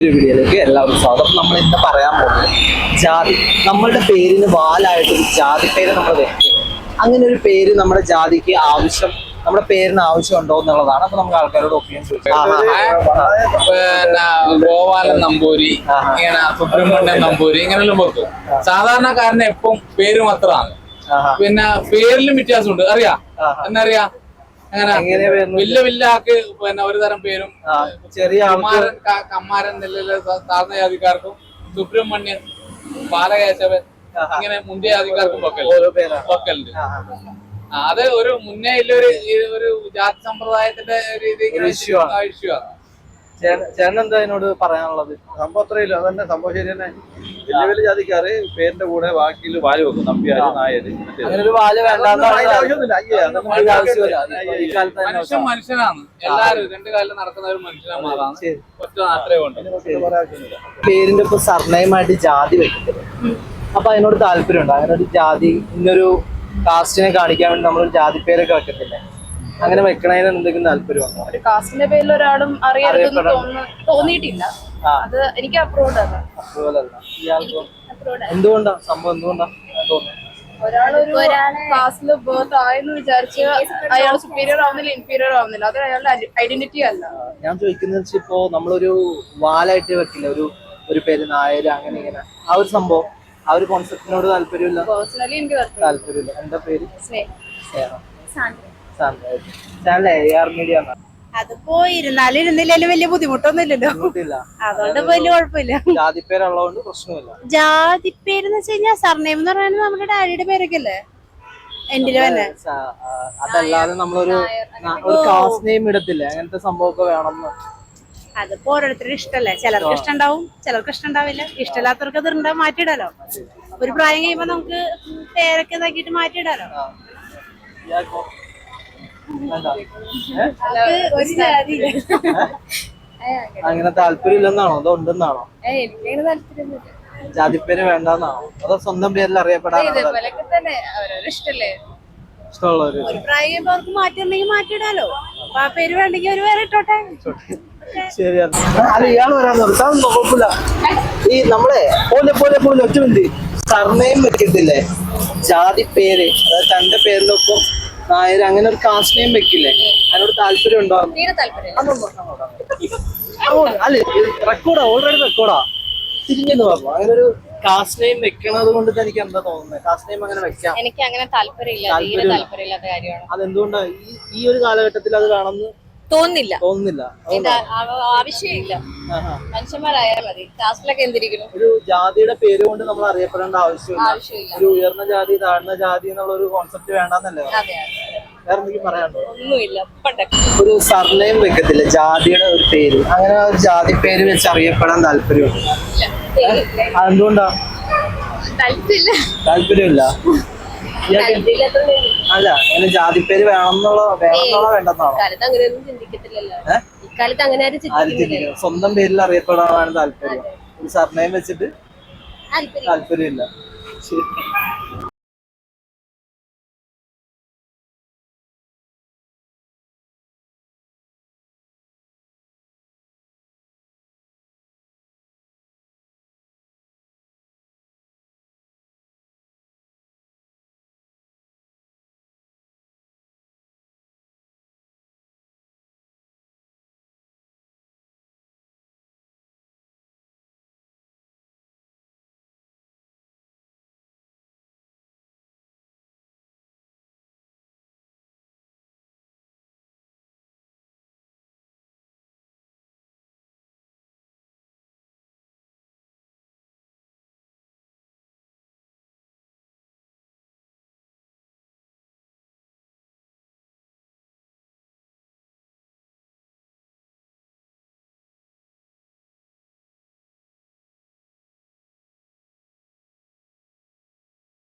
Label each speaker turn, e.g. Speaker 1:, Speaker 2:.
Speaker 1: വീഡിയോയിലേക്ക് എല്ലാവർക്കും സ്വാഗതം. നമ്മൾ ഇന്ന് പറയാൻ പോകുന്നത് ജാതി. നമ്മളുടെ പേരിന് വാലായിട്ടൊരു ജാതി പേര് നമ്മൾ വെക്കുന്നത്. അങ്ങനെ ഒരു പേര് നമ്മുടെ ജാതിക്ക് ആവശ്യം, നമ്മുടെ പേരിന് ആവശ്യമുണ്ടോ എന്നുള്ളതാണ്. അപ്പൊ നമുക്ക് ആൾക്കാരോട് ഒപ്പിനിയൻ ചോദിക്കാം.
Speaker 2: പിന്നെ ഗോപാലൻ നമ്പൂരി, ഇങ്ങനെ സുബ്രഹ്മണ്യൻ നമ്പൂരി, ഇങ്ങനെല്ലാം വെക്കും. സാധാരണക്കാരന് എപ്പം പേര് മാത്രമാണ്. പിന്നെ പേരിലും വ്യത്യാസമുണ്ട്. അറിയാ എന്നറിയാ അങ്ങനെ വലിയ ആൾക്ക് പിന്നെ ഒരു തരം പേരും,
Speaker 1: ചെറിയ
Speaker 2: കമ്മാരൻ നെല്ലിലെ താഴ്ന്ന ജാതിക്കാർക്കും, സുബ്രഹ്മണ്യൻ, ബാലകേശവൻ, ഇങ്ങനെ മുന്തിയ ജാതിക്കാർക്കും വെക്കലുണ്ട്. അത് ഒരു മുന്നേ ഒരു ജാതി സമ്പ്രദായത്തിന്റെ രീതി ഇഷ്യൂ ആണ്.
Speaker 1: ചേട്ടൻ എന്താ അതിനോട് പറയാനുള്ളത്?
Speaker 3: സംഭവം അത്രയില്ല, അതന്നെ സംഭവം ശരി തന്നെ. വലിയ വലിയ ജാതിക്കാര് പേരിന്റെ കൂടെ ബാക്കിയിൽ വാല് വെക്കും. നമ്പ്യാര്, നായര്,
Speaker 1: അങ്ങനെ ഒരു വാല്
Speaker 2: മനുഷ്യൻ മനുഷ്യനാണ്. എല്ലാരും രണ്ടു കാലം നടക്കുന്ന ഒരു മനുഷ്യനാണ്. ഒറ്റ മാത്രമേ ഉണ്ട്.
Speaker 1: പേരിന്റെ ഇപ്പൊ സർനെയിമായിട്ട് ജാതി വെക്കുന്നത്. അപ്പൊ അതിനോട് താല്പര്യമുണ്ടോ? അങ്ങനെ ഒരു ജാതി, ഇന്നൊരു കാസ്റ്റിനെ കാണിക്കാൻ വേണ്ടി നമ്മളൊരു ജാതി പേരൊക്കെ വെക്കത്തില്ലേ? അങ്ങനെ വെക്കണതിന് എന്തെങ്കിലും താല്പര്യമുണ്ടോ?
Speaker 4: ഒരു കാസ്റ്റിന്റെ പേരിൽ ഒരാളും അറിയരുതെന്ന് തോന്നിയിട്ടില്ല. അത് എനിക്ക് അപ്രൂവ്ഡ് ആണ്.
Speaker 1: എന്തുകൊണ്ടാ സംഭവം? എന്തുകൊണ്ടാ തോന്നുന്നത്?
Speaker 4: ഒരാളൊരു കാസ്റ്റിൽ ബർത്ത് ആയെന്ന് വിചാരിച്ച് അയാൾ സുപ്പീരിയർ ആവുന്നില്ല, ഇൻഫീരിയർ ആവുന്നില്ല. അത് അയാളുടെ ഐഡന്റിറ്റി അല്ല.
Speaker 1: ഞാൻ ചോദിക്കുന്നത് ഇപ്പോ നമ്മളൊരു വാലായിട്ട് വെക്കില്ല, ഒരു പേര് നായര്, അങ്ങനെ ഇങ്ങനെ ആ ഒരു സംഭവം, ആ ഒരു കോൺസെപ്റ്റിനോട് താല്പര്യമില്ല.
Speaker 4: പേഴ്സണലി എനിക്ക്
Speaker 1: താല്പര്യമില്ല. എന്താ പേര്?
Speaker 5: അതിപ്പോ ഇരുന്നാലും ഇരുന്നില്ലാലും വലിയ ബുദ്ധിമുട്ടൊന്നും ഇല്ലല്ലോ. അതുകൊണ്ട് വലിയ കുഴപ്പമില്ല.
Speaker 1: ജാതിപ്പേരുള്ളതുകൊണ്ട് പ്രശ്നമില്ല.
Speaker 5: ജാതിപ്പേരെന്ന് വെച്ച് കഴിഞ്ഞാൽ സർനെയിം എന്ന് പറയുന്നത് നമ്മുടെ ഡാഡിയുടെ പേരൊക്കെ അല്ലേ എന്റെ തന്നെ.
Speaker 1: അതല്ലാതെ നമ്മളൊരു കാസ്റ്റ് നെയിം ഇടത്തില്ലേ? അങ്ങനത്തെ സംഭവമൊക്കെ വേണമെന്ന്.
Speaker 5: അതിപ്പോ ഓരോരുത്തരുടെ ഇഷ്ടല്ലേ. ചിലർക്ക് ഇഷ്ടണ്ടാവും, ചിലർക്ക് ഇഷ്ടണ്ടാവില്ല. ഇഷ്ടമില്ലാത്തവർക്ക് അത് മാറ്റിയിടാലോ. ഒരു പ്രായം കഴിയുമ്പോ നമുക്ക് പേരൊക്കെ ഇതാക്കിയിട്ട് മാറ്റിയിടാലോ.
Speaker 1: അങ്ങനെ താല്പര്യമില്ലെന്നാണോ അതോ ഉണ്ടെന്നാണോ? ജാതിപ്പേര് വേണ്ടെന്നാണോ അതോ സ്വന്തം പേരിൽ അറിയപ്പെടാനാണോ? ഇഷ്ടമുള്ളവര്
Speaker 5: ഒരു പ്രായം കഴിയുമ്പോ അവർക്ക് മാറ്റിണ്ടെങ്കിൽ മാറ്റിയിടാലോ. അപ്പൊ ആ പേര് വേണ്ടെങ്കിൽ അവര് വേറെ ഇട്ടോട്ടെ.
Speaker 1: ശരിയാണ്. അല്ല, ഇയാൾ വരാൻ നിർത്താൻ കുഴപ്പമില്ല. ഈ നമ്മളെ പോലെ ഒറ്റ മിനിറ്റ് സർനെയിം വെക്കത്തില്ലേ? ജാതി പേര്, അതായത് തന്റെ പേരിനൊപ്പം നായര്, അങ്ങനെ ഒരു കാസ്റ്റ് നെയിം വെക്കില്ലേ? അതിനോട് താല്പര്യം ഉണ്ടോ? അല്ല, റെക്കോർഡാ, ഓൾറെഡി റെക്കോർഡാ. തിരിഞ്ഞെന്ന് പറഞ്ഞു. അങ്ങനെ ഒരു കാസ്റ്റ് നെയിം വെക്കണത് കൊണ്ട് എനിക്ക് എന്താ തോന്നുന്നത്? കാസ്റ്റ് നെയിം അങ്ങനെ വെക്കാം.
Speaker 4: എനിക്ക് അങ്ങനെ താല്പര്യമില്ലാത്ത കാര്യമാണ്.
Speaker 1: അതെന്തുകൊണ്ടാ ഈ ഒരു കാലഘട്ടത്തിൽ അത് വേണമെന്ന് തോന്നുന്നില്ല?
Speaker 4: ആവശ്യമില്ല. മനുഷ്യന്മാരായാൽ മതി. കാസ്റ്റിലൊക്കെ എന്തിരിക്കുന്നു?
Speaker 1: ഒരു ജാതിയുടെ പേര് കൊണ്ട് നമ്മൾ അറിയപ്പെടേണ്ട ആവശ്യമില്ല. ഒരു ഉയർന്ന ജാതി, താഴ്ന്ന ജാതി എന്നുള്ള ഒരു കോൺസെപ്റ്റ് വേണ്ടെന്നല്ലേ? വേറെ എന്തെങ്കിലും പറയാനുണ്ടോ?
Speaker 4: ഒന്നുമില്ല.
Speaker 1: ഒരു സർനെയിം വെക്കത്തില്ല, ജാതിയുടെ ഒരു പേര്, അങ്ങനെ ഒരു ജാതി പേര് വെച്ച് അറിയപ്പെടാൻ താല്പര്യമുണ്ട്. അതെന്തുകൊണ്ടാ? താല്പര്യമില്ല. അല്ല, അങ്ങനെ ജാതിപ്പേര് വേണമെന്നുള്ള വേണ്ടെന്നാണോ? സ്വന്തം പേരിൽ അറിയപ്പെടാനാണ് താല്പര്യം. ഒരു സർനെയിം വെച്ചിട്ട് താല്പര്യമില്ല. ശരി.